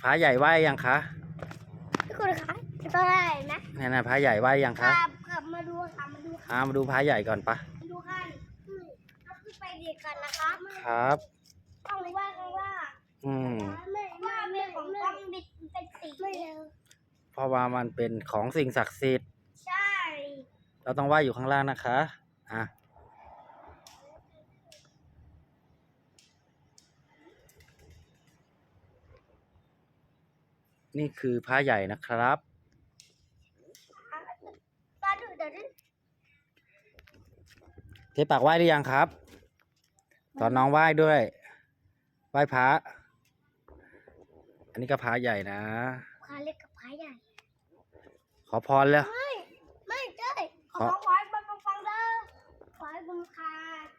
พระใหญ่ไหว้ยังคะทุกคนคะก็ได้นะนี่นะพระใหญ่ไหว้ยังคะกลับมาดูค่ะมาดูมาดูพระใหญ่ก่อนปะมาดูกันเราขึ้นไปเด็กกันนะคะครับต้องว่ากันว่าไม่ของต้องบิดเป็นสีเพราะว่ามันเป็นของสิ่งศักดิ์สิทธิ์ใช่เราต้องไหว้อยู่ข้างล่างนะคะนี่คือพระใหญ่นะครับเทปากไหว้หรือยังครับตอนน้องไหว้ด้วยไหว้พระอันนี้ก็พระใหญ่นะพระเล็กกับพระใหญ่ขอพรแล้วไม่ใช่ขอให้ฟังเด้อขอให้บุญคา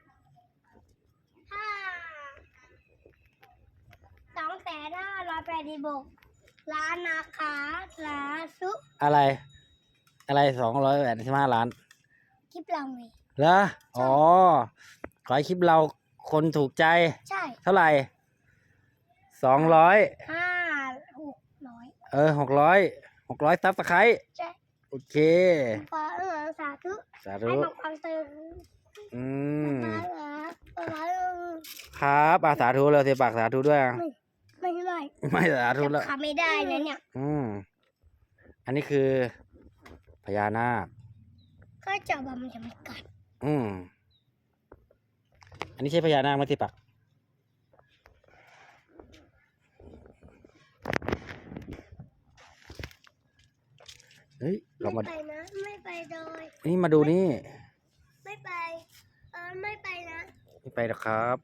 2,586 ล้านนะคะสาธุอะไร285 ล้านคลิปเราไงเหรออ๋อขอให้คลิปเราคนถูกใจใช่เท่าไหร่600ซับสไครต์ใช่โอเคสาธุให้ฟังเติมครับสาธุเลยเทปากสาธุด้วยไม่สาธุแล้วทำไม่ได้นะเนี่ยอันนี้คือพญานาคก็จะมันจะไม่กัดอันนี้ใช่พญานาคไหมเทปากเฮ้ยเรามาไปนะไม่ไปโดยนี่มาดูนี่ไม่ไปไม่ไปนะไม่ไปหรอกครับ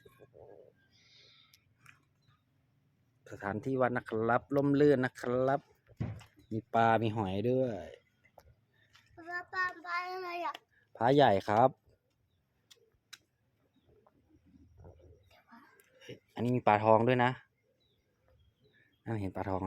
สถานที่วัดนะครับร่มรื่นนะครับมีปลามีหอยด้วยปลาอะไรอ่ะพระใหญ่ครับอันนี้มีปลาทองด้วยนะนั่นเห็นปลาทองไหม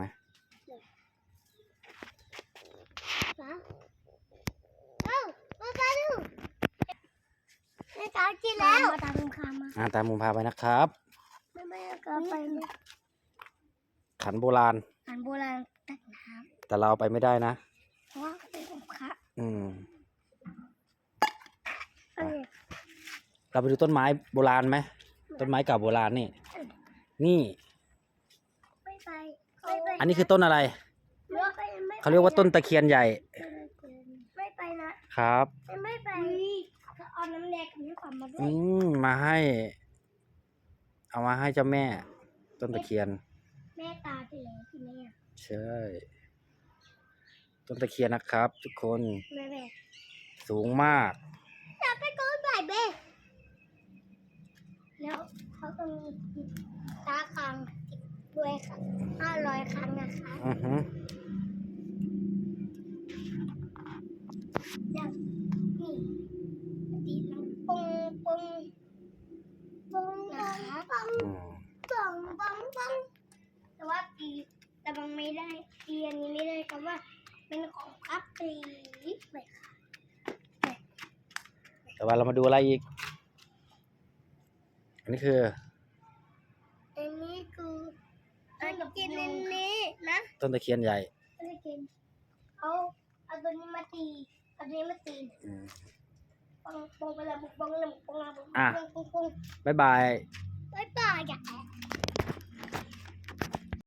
ตามกินแล้วตามมุมพามาตามมุมพาไปนะครับไม่ก็ไปขันโบราณตักน้ำแต่เราไปไม่ได้นะเพราะว่าเป็นองค์พระเราไปดูต้นไม้โบราณไหมต้นไม้เก่าโบราณนี่ไม่ไปอันนี้คือต้นอะไรเขาเรียกว่าต้นตะเคียนใหญ่ไม่ไปนะครับไม่ไปเอาน้ำแดงกับน้ำขวัญมาด้วยเอามาให้เจ้าแม่ต้นตะเคียนแม่ตาไปแล้วที่แม่ใช่ต้นตะเคียนนะครับทุกคนสูงมากอยากไปก้อนใหญ่เบ้แล้วเขาก็มีตาคางด้วยค่ะ500 ครั้งนะคะอย่างนี่ตีน้ำปงนะคะแต่ว่าแต่บางไม่ได้อันนี้ไม่ได้เพราะว่าเป็นของพับตีไปค่ะแต่ว่าเรามาดูอะไรอีกอันนี้คือกินนี้นะต้นตะเคียนใหญ่เอาตัวนี้มาตีปงไปแล้วปงบ๊ายบายอย่า